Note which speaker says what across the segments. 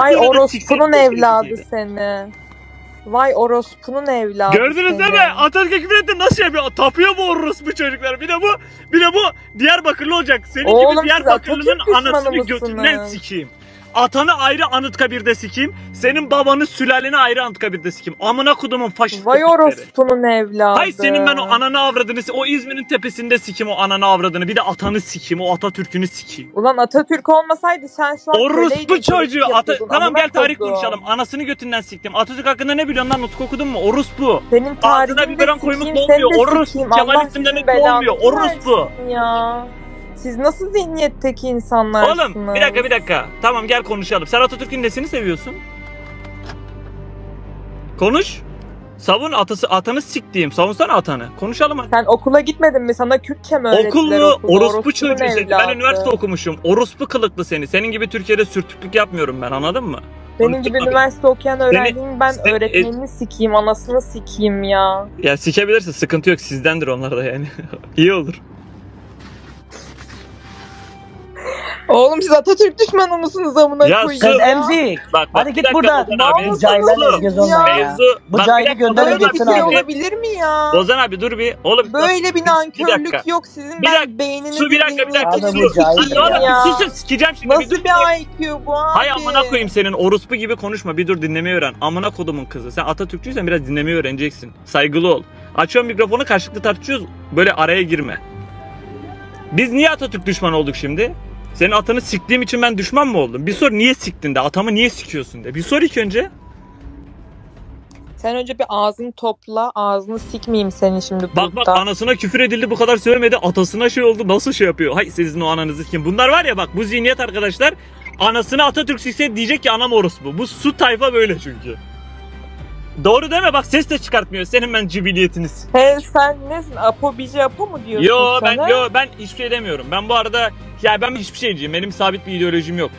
Speaker 1: Vay
Speaker 2: sonra da
Speaker 1: orospunun
Speaker 2: siktir
Speaker 1: evladı
Speaker 2: seni.
Speaker 1: seni. Vay orospunun evladı
Speaker 2: Gördünüz
Speaker 1: seni.
Speaker 2: değil mi? Atatürk'e küfür etti, nasıl yapıyor? Tapıyor bu orospu çocuklar. Bir de bu Diyarbakırlı olacak. Senin
Speaker 1: Oğlum,
Speaker 2: gibi
Speaker 1: siz
Speaker 2: Diyarbakırlı'nın
Speaker 1: Atatürk düşmanı
Speaker 2: anasını
Speaker 1: mısınız?
Speaker 2: götünden sikeyim. Atanı ayrı Anıtkabir'de sikeyim. Senin babanı sülaleni ayrı Anıtkabir'de sikeyim. Amına kodumun faşist
Speaker 1: Vay
Speaker 2: köpekleri.
Speaker 1: orospunun evladı.
Speaker 2: Hay senin ben o ananı avradını, o İzmir'in tepesinde sikeyim o ananı avradını. Bir de atanı sikeyim, o Atatürk'ünü sikeyim.
Speaker 1: Ulan Atatürk olmasaydı sen şu an
Speaker 2: Orospu çocuğu. Tamam
Speaker 1: Amına
Speaker 2: gel tarih
Speaker 1: kodum.
Speaker 2: konuşalım. Anasını götünden siktim. Atatürk hakkında ne biliyorsun lan? Nutuk okudun mu? Orospu.
Speaker 1: Senin
Speaker 2: Ağzına
Speaker 1: tarihini de
Speaker 2: biberon koymak
Speaker 1: sikeyim,
Speaker 2: olmuyor.
Speaker 1: seni de
Speaker 2: Orospu.
Speaker 1: sikeyim.
Speaker 2: Kemal
Speaker 1: Allah
Speaker 2: isim demek
Speaker 1: sizin belanızı
Speaker 2: olmuyor. Orospu.
Speaker 1: versin ya. Siz nasıl zihniyetteki insanlarsınız?
Speaker 2: Oğlum bir dakika. Tamam gel konuşalım. Sen Atatürk'ün nesini seviyorsun? Konuş. Savun atanı siktiğim. Savunsana atanı. Konuşalım hadi.
Speaker 1: Sen okula gitmedin mi? Sana Kürtçe mi öğrettiler
Speaker 2: Okul mu?
Speaker 1: okulda?
Speaker 2: Orospu
Speaker 1: Orospunun
Speaker 2: çocuğu seni. Ben
Speaker 1: evladı.
Speaker 2: üniversite okumuşum. Orospu kılıklı seni. Senin gibi Türkiye'de sürtüklük yapmıyorum ben, anladın mı?
Speaker 1: Benim gibi
Speaker 2: Konuştuk
Speaker 1: üniversite okuyan öğrencinin ben
Speaker 2: seni-
Speaker 1: öğretmenini sikeyim, anasını sikeyim ya.
Speaker 2: Ya sikebilirsin, sıkıntı yok, sizdendir onlar da yani. İyi olur.
Speaker 1: Oğlum siz Atatürk düşmanı mısınız amına
Speaker 2: Ya
Speaker 1: koyayım
Speaker 2: sus.
Speaker 1: ya?
Speaker 3: Emzik.
Speaker 2: Bak
Speaker 3: Hadi
Speaker 2: bir
Speaker 3: git
Speaker 2: dakika
Speaker 3: buradan.
Speaker 2: Ozan abi.
Speaker 1: Namus
Speaker 3: Cahillerle
Speaker 1: olsun
Speaker 3: göz
Speaker 1: ya.
Speaker 3: olma ya.
Speaker 2: Mevzu.
Speaker 3: Bu
Speaker 2: Bak,
Speaker 3: cahili
Speaker 2: bir dakika,
Speaker 3: gönderin
Speaker 2: Ozan abi,
Speaker 3: gitsin
Speaker 1: Böyle bir şey
Speaker 3: abi.
Speaker 1: olabilir mi ya?
Speaker 2: Ozan abi dur bir. Oğlum
Speaker 1: Böyle bir
Speaker 2: Bir
Speaker 1: nankörlük
Speaker 2: dakika.
Speaker 1: yok sizin.
Speaker 2: Bir dakika.
Speaker 1: Ben beyninizi
Speaker 2: Su bir dakika.
Speaker 3: Adam
Speaker 1: zihniyetinizi
Speaker 3: bu cahil
Speaker 1: sikeyim
Speaker 2: Oğlum
Speaker 1: ya.
Speaker 2: bir susun, sikeceğim şimdi.
Speaker 1: Nasıl
Speaker 2: dur.
Speaker 1: bir IQ bu abi?
Speaker 2: Hay amına koyayım senin, orospu gibi konuşma, bir dur dinlemeyi öğren. Amına kodumun kızı. Sen Atatürkçüysen biraz dinlemeyi öğreneceksin. Saygılı ol. Açıyorum mikrofonu, karşılıklı tartışıyoruz. Böyle araya girme. Biz niye Atatürk düşmanı olduk şimdi? Senin atanı siktiğim için ben düşman mı oldum? Bir sor, niye siktin de, atamı niye sikiyorsun de. Bir sor ilk önce.
Speaker 1: Sen önce bir ağzını topla, ağzını sikmeyeyim senin şimdi
Speaker 2: Bak
Speaker 1: burada.
Speaker 2: anasına küfür edildi, bu kadar sövmedi, atasına şey oldu, nasıl şey yapıyor? Hay sizin o ananızı kim? Bunlar var ya, bak bu zihniyet arkadaşlar, anasını Atatürk sikse diyecek ki anam orospu. Bu su tayfa böyle çünkü. Doğru deme, bak ses de çıkartmıyor, senin ben cibiliyetiniz.
Speaker 1: He sen nesin? Apo bici Apo mu diyorsun
Speaker 2: Ben hiçbir şey demiyorum. Ben bu arada ben hiçbir şeyciyim. Benim sabit bir ideolojim yok.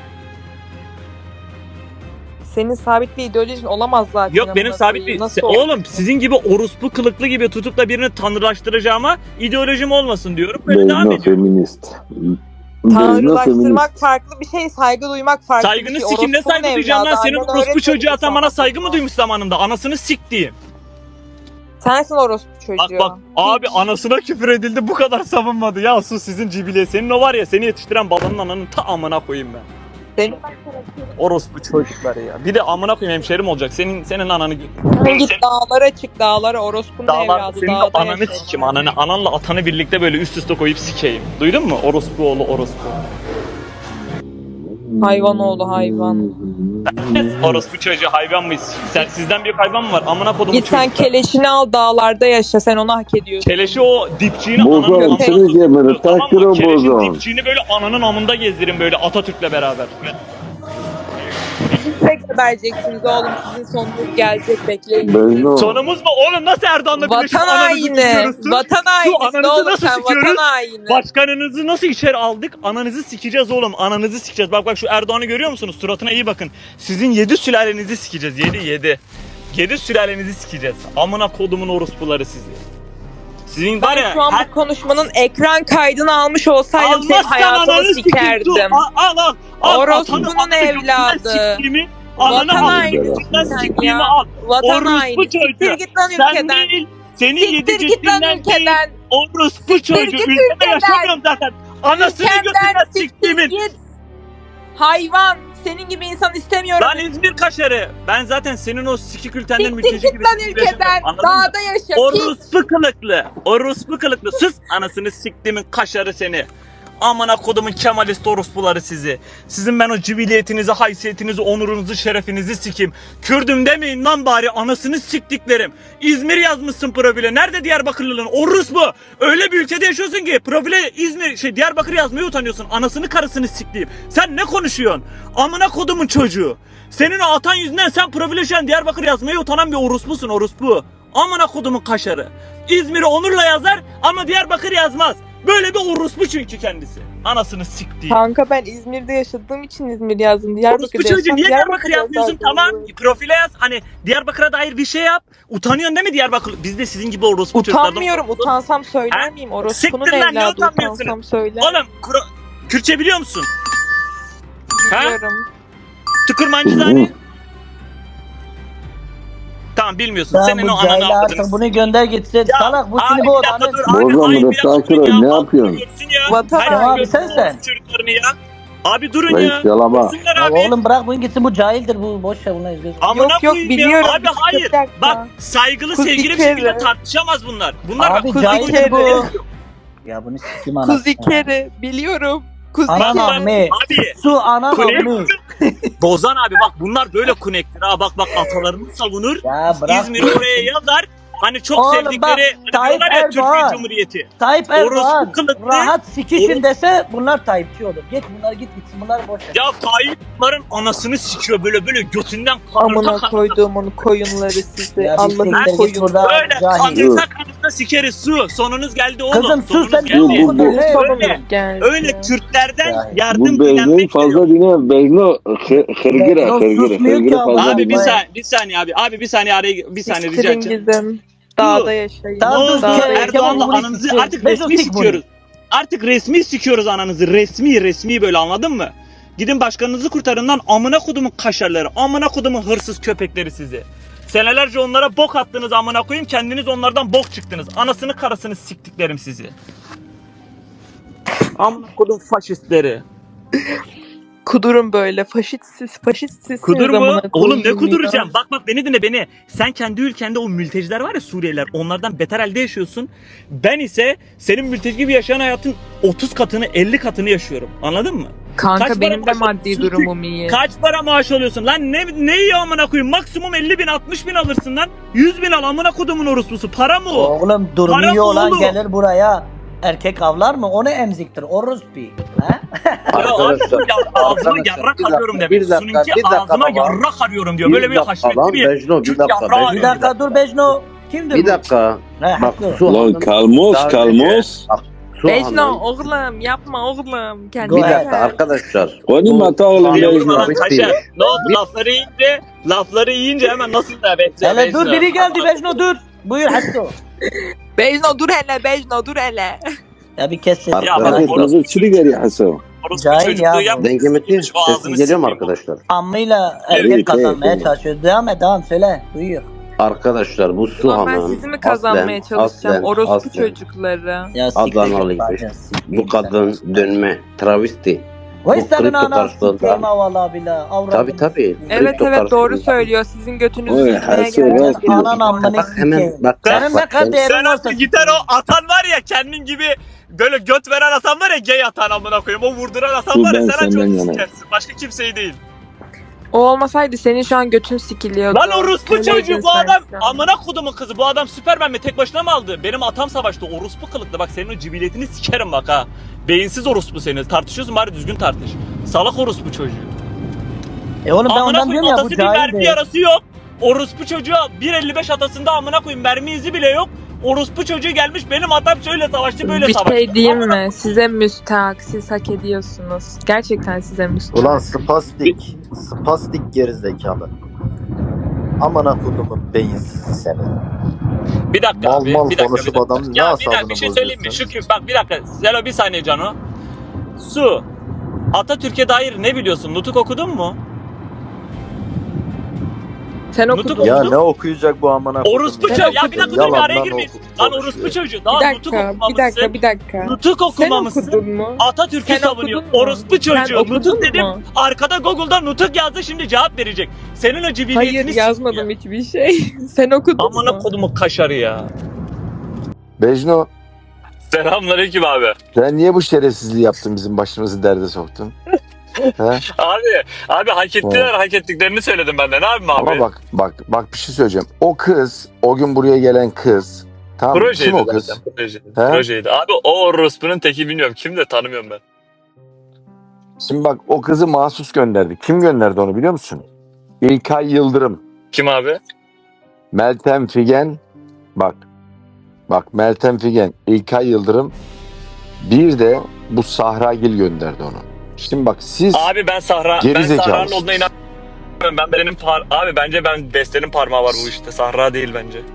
Speaker 1: Senin sabit bir ideolojin olamaz zaten.
Speaker 2: Yok benim
Speaker 1: amına
Speaker 2: sabit
Speaker 1: koyayım.
Speaker 2: bir...
Speaker 1: Nasıl olur?
Speaker 2: Oğlum sizin gibi orospu kılıklı gibi tutup da birini tanrılaştıracağıma ideolojim olmasın diyorum. Böyle devam ediyorum.
Speaker 4: Feminist.
Speaker 1: Tanrılaştırmak farklı bir şey, saygı duymak farklı
Speaker 2: Saygını
Speaker 1: bir şey.
Speaker 2: sikim, ne
Speaker 1: Orospunun
Speaker 2: saygı duyacağım lan?
Speaker 1: evladı,
Speaker 2: Senin
Speaker 1: annen
Speaker 2: orospu
Speaker 1: öğretmedi
Speaker 2: çocuğu atan
Speaker 1: sana
Speaker 2: bana saygı mı
Speaker 1: bunu.
Speaker 2: duymuş zamanında? Anasını siktiğim.
Speaker 1: Sensin orospu çocuğu.
Speaker 2: Bak abi anasına küfür edildi, bu kadar savunmadı. Ya sus sizin cibile. Senin o var ya, seni yetiştiren babanın ananın ta amına koyayım ben.
Speaker 1: Senin
Speaker 2: Orospu çocukları ya. Bir de amına koyayım hemşerim olacak. Senin ananı...
Speaker 1: git dağlara çık, dağlara, orospunun
Speaker 2: Dağlar,
Speaker 1: evladı.
Speaker 2: senin de
Speaker 1: Dağda
Speaker 2: ananı
Speaker 1: yaşa.
Speaker 2: sikim, ananla atanı birlikte böyle üst üste koyup sikeyim. Duydun mu? Orospu oğlu orospu.
Speaker 1: Hayvan oğlu hayvan.
Speaker 2: Orospu çocuğu hayvan mıyız? Sizden büyük hayvan mı var? Amına kodumun
Speaker 1: Git sen
Speaker 2: çocuklar.
Speaker 1: keleşini al, dağlarda yaşa, sen onu hak ediyorsun.
Speaker 2: Keleşi o dipçiğini
Speaker 4: Bozon,
Speaker 2: ananın amında
Speaker 4: seni gemeri,
Speaker 2: tutuyor, tamam
Speaker 4: takdir
Speaker 2: mı?
Speaker 4: o
Speaker 2: Keleşin
Speaker 4: bozon.
Speaker 2: dipçiğini böyle ananın amında gezdirin böyle Atatürk'le beraber.
Speaker 1: Siz gebereceksiniz oğlum, sizin sonunuz gelecek, bekleyin.
Speaker 4: Bozon.
Speaker 2: Sonumuz mu? Oğlum nasıl Erdoğan'la birleşip
Speaker 1: Vatan
Speaker 2: ananızı
Speaker 1: haini.
Speaker 2: sikiyoruz?
Speaker 1: Vatan
Speaker 2: Şu
Speaker 1: haini.
Speaker 2: ananızı
Speaker 1: Oğlum
Speaker 2: nasıl
Speaker 1: sen
Speaker 2: sikiyoruz?
Speaker 1: vatan haini.
Speaker 2: Başkanınızı nasıl içeri aldık? Ananızı sikeceğiz oğlum. Ananızı sikeceğiz. Bak şu Erdoğan'ı görüyor musunuz? Suratına iyi bakın. Sizin 7 sülalenizi sikeceğiz. 7. 7 sülalenizi sikeceğiz. Amına kodumun orospuları sizi. Sizin var
Speaker 1: Ben
Speaker 2: ya
Speaker 1: şu an bu konuşmanın ekran kaydını almış olsaydım senin
Speaker 2: almazsan
Speaker 1: hayatını
Speaker 2: ananı
Speaker 1: sikerdim.
Speaker 2: sikeyim. Al.
Speaker 1: Orospunun
Speaker 2: Atanı
Speaker 1: evladı.
Speaker 2: siktiğimi, ananı
Speaker 1: Vatan
Speaker 2: al.
Speaker 1: hainisin
Speaker 2: Ben
Speaker 1: sen
Speaker 2: siktiğimi
Speaker 1: ya.
Speaker 2: al.
Speaker 1: Vatan
Speaker 2: Orospu
Speaker 1: haini. Siktir
Speaker 2: çocuğu.
Speaker 1: git lan
Speaker 2: Sen
Speaker 1: ülkeden.
Speaker 2: değil. Seni
Speaker 1: Siktir
Speaker 2: 7
Speaker 1: git lan
Speaker 2: ciddinden değil.
Speaker 1: ülkeden.
Speaker 2: Orospu çocuğu.
Speaker 1: git
Speaker 2: Ülkede
Speaker 1: ülkeden.
Speaker 2: yaşamıyorum zaten. Anasını
Speaker 1: Ülkemden
Speaker 2: götünden
Speaker 1: siktir
Speaker 2: siktiğimin.
Speaker 1: git. Hayvan. Senin gibi insan istemiyorum.
Speaker 2: Ben İzmir kaşarı. Ben zaten senin o sikik ülkenden
Speaker 1: Siktir
Speaker 2: mülteci
Speaker 1: git
Speaker 2: gibi
Speaker 1: lan
Speaker 2: yaşamıyorum.
Speaker 1: ülkeden.
Speaker 2: Anladın mı?
Speaker 1: Dağda yaşa. Pis.
Speaker 2: Orospu kılıklı. Orospu kılıklı. Sus anasını siktiğimin kaşarı seni. Amına kodumun Kemalist orospuları sizi. Sizin ben o cibiliyetinizi, haysiyetinizi, onurunuzu, şerefinizi sikeyim. Kürdüm demeyin lan bari, anasını siktiklerim. İzmir yazmışsın profile. Nerede Diyarbakırlılığın? Orospu. Öyle bir ülkede yaşıyorsun ki profile Diyarbakır yazmaya utanıyorsun. Anasını karısını siktiğim. Sen ne konuşuyorsun? Amına kodumun çocuğu. Senin o atan yüzünden sen profile şu an Diyarbakır yazmaya utanan bir orospusun, orospu. Amına kodumun kaşarı. İzmir'i onurla yazar ama Diyarbakır yazmaz. Böyle bir orospu çünkü kendisi. Anasını siktiğim.
Speaker 1: Kanka ben İzmir'de yaşadığım için İzmir yazdım.
Speaker 2: Orospu
Speaker 1: Diyarbakır'da
Speaker 2: çocuğu
Speaker 1: yaşasam
Speaker 2: niye Diyarbakır
Speaker 1: Diyarbakır'da
Speaker 2: yazmıyorsun?
Speaker 1: yazardım.
Speaker 2: Tamam profile yaz. Hani Diyarbakır'a dair bir şey yap. Utanıyorsun değil mi Diyarbakır? Biz de sizin gibi orospu çocuklardan.
Speaker 1: Utanmıyorum. Utansam söyler
Speaker 2: Ha?
Speaker 1: miyim? Orospunun
Speaker 2: Siktir lan, ne
Speaker 1: evladı.
Speaker 2: utanmıyorsun?
Speaker 1: Utansam söyler.
Speaker 2: Oğlum Kürtçe biliyor musun? Ha?
Speaker 1: Biliyorum.
Speaker 2: Tıkırmancı Zani. Tamam bilmiyorsun.
Speaker 3: Tamam,
Speaker 2: Senin
Speaker 3: bu
Speaker 2: o ananı
Speaker 3: cahil
Speaker 2: avradını.
Speaker 3: artık bunu gönder gitsin. Salak bu seni
Speaker 2: bir
Speaker 3: bu
Speaker 2: dakika
Speaker 3: odanın.
Speaker 2: dur abi.
Speaker 4: Bozma
Speaker 2: Hayır
Speaker 4: bunu,
Speaker 2: bir dakika
Speaker 4: sakin
Speaker 2: dur
Speaker 4: ol,
Speaker 2: ya.
Speaker 4: ne
Speaker 2: Bak,
Speaker 4: yapıyorsun?
Speaker 2: geçsin ya.
Speaker 1: Vatan
Speaker 2: Hayır,
Speaker 3: abi,
Speaker 2: görsün
Speaker 3: sen.
Speaker 2: orospu çocuklarını ya. Abi durun
Speaker 4: Reis
Speaker 2: ya.
Speaker 4: yalama.
Speaker 2: Dursunlar
Speaker 3: Ya
Speaker 2: abi.
Speaker 3: oğlum bırak bunu gitsin, bu cahildir bu. Boş ver, buna izliyoruz.
Speaker 2: Amına
Speaker 1: Yok, yok,
Speaker 2: koyayım
Speaker 1: biliyorum.
Speaker 2: ya. Abi hayır.
Speaker 1: Bir dakika.
Speaker 2: Bak saygılı
Speaker 1: Kuz
Speaker 2: sevgili bir
Speaker 1: bir
Speaker 2: şekilde
Speaker 1: kere.
Speaker 2: tartışamaz bunlar. Bunlar
Speaker 3: Abi
Speaker 2: bak.
Speaker 3: cahildir bu.
Speaker 1: kere.
Speaker 3: Ya bunu sikim anasını.
Speaker 1: Kuzi kere biliyorum. Kuzi
Speaker 3: Anan
Speaker 1: kere.
Speaker 3: ammi.
Speaker 2: Abi.
Speaker 3: Su anan
Speaker 2: Kunek.
Speaker 3: ammi.
Speaker 2: Bozan abi bak bunlar böyle kunektir ha. Bak atalarını savunur.
Speaker 3: Ya bırak.
Speaker 2: İzmir'i oraya yazar. Hani çok
Speaker 3: Oğlum
Speaker 2: sevdikleri
Speaker 3: bak,
Speaker 2: hani
Speaker 3: Tayyip
Speaker 2: diyorlar ya Türkiye
Speaker 3: Erdoğan.
Speaker 2: Cumhuriyeti.
Speaker 3: Tayyip Erdoğan
Speaker 2: Orospu kılıklı.
Speaker 3: rahat sikişin dese bunlar Tayyipçi olur. Git bunlar gitsin, bunlar boş ver.
Speaker 2: Ya Tayyip bunların anasını sikiyor böyle götünden
Speaker 1: Amına
Speaker 2: kanırta
Speaker 1: koyduğum onun koyunları size.
Speaker 3: Ya bir
Speaker 1: Allah'ın
Speaker 3: siktir git
Speaker 1: koyunları.
Speaker 3: buradan
Speaker 2: böyle
Speaker 3: cahil.
Speaker 2: kanırta sikeriz su. Sonunuz geldi oğlum.
Speaker 3: Kızım sus
Speaker 2: Sonunuz
Speaker 3: sen,
Speaker 2: geldi.
Speaker 3: ne
Speaker 4: Bu-
Speaker 3: okudun? Ne?
Speaker 2: Öyle.
Speaker 1: Geldi.
Speaker 2: Öyle Kürtlerden
Speaker 3: Yani.
Speaker 2: yardım
Speaker 4: Bu Bejno'yu
Speaker 2: dilenmek
Speaker 4: fazla
Speaker 2: geliyor.
Speaker 4: dinle. Bejno hırgıra
Speaker 3: Bejno
Speaker 4: hırgıra
Speaker 3: susmuyor ki
Speaker 4: hırgıra
Speaker 3: ama.
Speaker 4: fazla
Speaker 2: Abi
Speaker 4: dinle.
Speaker 2: bir saniye abi. Abi bir saniye araya bir saniye rica
Speaker 1: İstirin
Speaker 2: edeceğim.
Speaker 1: gidin. Dağda yaşayın.
Speaker 2: Ne
Speaker 3: Tamam,
Speaker 2: oldu?
Speaker 3: dur,
Speaker 1: Dağda
Speaker 3: Kemal,
Speaker 1: yaşayın.
Speaker 2: Erdoğan'la
Speaker 3: bunu
Speaker 2: ananızı
Speaker 3: sikeceğiz.
Speaker 2: artık
Speaker 3: Bejno
Speaker 2: resmi
Speaker 3: sik bunu.
Speaker 2: sikiyoruz. Artık resmi sikiyoruz ananızı. Resmi böyle anladın mı? Gidin başkanınızı kurtarın lan amına kodumun kaşarları. Amına kodumun hırsız köpekleri sizi. Senelerce onlara bok attınız amına koyayım. Kendiniz onlardan bok çıktınız. Anasını karısını siktiklerim sizi. Amına kodum faşistleri.
Speaker 1: Kudurun böyle. Faşistsiniz
Speaker 2: Kudur mu?
Speaker 1: amına
Speaker 2: Oğlum ne
Speaker 1: koyayım
Speaker 2: kuduracağım?
Speaker 1: ya.
Speaker 2: Bak beni dinle beni. Sen kendi ülkende o mülteciler var ya Suriyeliler. Onlardan beter halde yaşıyorsun. Ben ise senin mülteci gibi yaşayan hayatın 30 katını 50 katını yaşıyorum. Anladın mı?
Speaker 1: Kanka
Speaker 2: Kaç
Speaker 1: benim de
Speaker 2: para
Speaker 1: maddi
Speaker 2: maaş-
Speaker 1: durumum iyi.
Speaker 2: Kaç para maaş alıyorsun? Lan ne iyi amına koyayım? Maksimum 50 bin 60 bin alırsın lan. 100 bin al amına kodumun orospusu. Para mı o?
Speaker 3: Oğlum durumu
Speaker 2: Para
Speaker 3: iyi
Speaker 2: mı
Speaker 3: olan
Speaker 2: oğlum?
Speaker 3: gelir buraya. Erkek avlar mı? Onu emziktir. Orospi. Ha?
Speaker 2: Ya abi
Speaker 5: Arkadaşlar,
Speaker 2: ya ağzına
Speaker 5: arkadaşlar,
Speaker 2: yarrak
Speaker 5: bir
Speaker 2: arıyorum
Speaker 5: dakika,
Speaker 2: demek.
Speaker 5: bir dakika,
Speaker 2: Sununki
Speaker 5: bir dakika
Speaker 2: ağzıma
Speaker 5: baba.
Speaker 2: yarrak arıyorum diyor. Böyle bir haşmetli bir
Speaker 5: Bejno, bir
Speaker 2: Türk
Speaker 5: dakika.
Speaker 2: yarrağı
Speaker 5: Bejno.
Speaker 3: Bir
Speaker 2: arıyorum.
Speaker 3: dakika dur Bejno. Kimdir
Speaker 5: Bir
Speaker 3: bu?
Speaker 5: dakika.
Speaker 3: He,
Speaker 5: Bak
Speaker 3: haklı.
Speaker 5: su
Speaker 4: Lan
Speaker 5: hanım.
Speaker 4: kalmos
Speaker 5: Daha
Speaker 4: kalmos.
Speaker 5: Bak, su
Speaker 1: Bejno
Speaker 5: hanım.
Speaker 1: oğlum yapma oğlum.
Speaker 5: Bir
Speaker 1: Kendine
Speaker 3: Go
Speaker 5: dakika
Speaker 1: gel.
Speaker 5: arkadaşlar.
Speaker 4: Oni
Speaker 5: Bu
Speaker 4: mata oğlum,
Speaker 5: su hanım
Speaker 2: Niye
Speaker 4: Bejno.
Speaker 2: vurma lan
Speaker 5: bitti.
Speaker 2: kaşar? Ne oldu lafları yiyince hemen nasıl da bekle.
Speaker 3: Hele dur, biri geldi Bejno dur. Buyur Hasso.
Speaker 1: Bejno dur hele Bejno dur hele.
Speaker 3: Ya bir kes sesini.
Speaker 2: Ya bak,
Speaker 4: Hadi
Speaker 2: orası-
Speaker 4: kızı çili geri Hasan.
Speaker 2: Orospu
Speaker 3: Cahil
Speaker 2: çocukluğu
Speaker 3: ya.
Speaker 2: yap.
Speaker 5: Dengemetin
Speaker 2: Şu ağzını
Speaker 5: sesim geliyor mu
Speaker 2: sikeyim.
Speaker 5: arkadaşlar?
Speaker 3: Ammıyla
Speaker 4: Evet,
Speaker 3: erkek kazanmaya
Speaker 4: evet.
Speaker 3: çalışıyor. Devam söyle. Duyuyor.
Speaker 5: Arkadaşlar bu su
Speaker 1: Ulan ben
Speaker 5: hanım.
Speaker 1: sizi mi kazanmaya çalışacağım? Orospu
Speaker 5: aslen
Speaker 1: çocukları.
Speaker 3: Ya
Speaker 5: Adanalı gibi. Bu kadın dönme travesti.
Speaker 3: Vay
Speaker 5: bu
Speaker 3: senin
Speaker 5: kripto
Speaker 3: anan
Speaker 5: karşılığında-
Speaker 3: sikeyim valla bila.
Speaker 5: Tabi tabi.
Speaker 1: Evet doğru söylüyor. Sizin götünüzü
Speaker 4: Oy,
Speaker 1: sikmeye
Speaker 4: Hasan,
Speaker 1: geldim.
Speaker 4: Hasan.
Speaker 3: Anan amını
Speaker 5: Bak
Speaker 3: sikeyim.
Speaker 5: hemen bak.
Speaker 3: Senin ne kadar değerin
Speaker 2: Sen
Speaker 3: varsa
Speaker 2: artık gider o atan var ya kendin gibi böyle göt veren atan var ya gay atan amına koyayım. O vurduran atan
Speaker 4: Bu
Speaker 2: var ya
Speaker 4: ben
Speaker 2: sen ancak
Speaker 4: senden
Speaker 2: onu
Speaker 4: yanayım.
Speaker 2: sikersin. Başka kimseyi değil.
Speaker 1: O olmasaydı senin şu an götün sikiliyordu.
Speaker 2: Lan orospu
Speaker 1: Öyleydin
Speaker 2: çocuğu bu
Speaker 1: sen
Speaker 2: adam
Speaker 1: şu an.
Speaker 2: amına kodumun kızı bu adam Süpermen mi tek başına mı aldı? Benim atam savaştı orospu kılıklı bak senin o cibiliyetini sikerim bak ha. Beyinsiz orospu seni tartışıyorsun bari düzgün tartış. Salak orospu çocuğu.
Speaker 3: Oğlum ben
Speaker 2: Amına
Speaker 3: ondan diyorum
Speaker 2: koyayım
Speaker 3: ya, bu
Speaker 2: atası bir
Speaker 3: cahil
Speaker 2: mermi
Speaker 3: değil.
Speaker 2: yarası yok. Orospu çocuğa 1.55 atasında amına koyayım mermi izi bile yok. Orospu çocuğu gelmiş benim atam şöyle savaştı böyle
Speaker 1: Bir
Speaker 2: savaştı.
Speaker 1: şey diyeyim
Speaker 2: Amına
Speaker 1: mi? Size müstahak. Siz hak ediyorsunuz. Gerçekten size müstahak.
Speaker 6: Ulan spastik gerizekalı. Aman akudumun beyinsizi seni.
Speaker 2: Bir dakika
Speaker 6: Mal
Speaker 2: abi,
Speaker 6: mal
Speaker 2: bir dakika,
Speaker 6: konuşup
Speaker 2: bir dakika.
Speaker 6: adamın ne
Speaker 2: Ya bir
Speaker 6: asabını
Speaker 2: dakika bir şey söyleyeyim mi?
Speaker 6: bozuyorsun?
Speaker 2: Şu bak bir dakika. Zelo bir saniye Cano. Su. Atatürk'e dair ne biliyorsun? Nutuk okudun mu?
Speaker 1: Sen
Speaker 2: Nutuk
Speaker 1: okudun.
Speaker 6: Ya
Speaker 2: okudun.
Speaker 6: ne okuyacak bu amına kodum?
Speaker 2: Orospu
Speaker 1: Sen
Speaker 2: çocuğu. Ya bir
Speaker 1: okudun.
Speaker 2: dakika dur bir araya
Speaker 6: Yalandan
Speaker 2: girmeyin.
Speaker 6: okudun,
Speaker 2: Lan
Speaker 6: konuşuyor.
Speaker 2: orospu çocuğu.
Speaker 1: Bir
Speaker 2: Daha nutuk
Speaker 1: dakika,
Speaker 2: okumamışsın.
Speaker 1: bir dakika.
Speaker 2: Nutuk
Speaker 1: Sen
Speaker 2: okumamışsın.
Speaker 1: okudun mu?
Speaker 2: Atatürk'ü
Speaker 1: Sen
Speaker 2: savunuyor.
Speaker 1: okudun mu?
Speaker 2: Orospu
Speaker 1: Sen
Speaker 2: çocuğu.
Speaker 1: okudun
Speaker 2: Nutuk
Speaker 1: mu?
Speaker 2: dedim. Arkada Google'da nutuk yazdı şimdi cevap verecek. Senin o cibiliyetini
Speaker 1: Hayır yazmadım hiçbir şey. Sen okudun
Speaker 2: Amına
Speaker 1: mu?
Speaker 2: kodumu kaşarı ya.
Speaker 7: Bejno,
Speaker 2: Selamünaleyküm abi.
Speaker 7: sen niye bu şerefsizliği yaptın, bizim başımızı derde soktun? He?
Speaker 2: Abi hak
Speaker 7: ettiler,
Speaker 2: hak ettiklerini söyledim ben de. Ne yapayım
Speaker 7: Ama bak bir şey söyleyeceğim. O kız, o gün buraya gelen kız, tamam mı? Kim o kız?
Speaker 2: Projeydi. Abi o orospunun teki bilmiyorum. Kim de tanımıyorum ben.
Speaker 7: Şimdi bak, o kızı mahsus gönderdi. Kim gönderdi onu biliyor musun? İlkay Yıldırım,
Speaker 2: Kim abi?
Speaker 7: Meltem Figen, bak Meltem Figen, İlkay Yıldırım, bir de bu Sahragil gönderdi onu. Şimdi bak siz
Speaker 2: Abi ben
Speaker 7: Gerizekalısınız.
Speaker 2: Sahra'nın olduğuna inanmıyorum. Abi bence Beste'nin parmağı var bu işte. Sahra değil bence.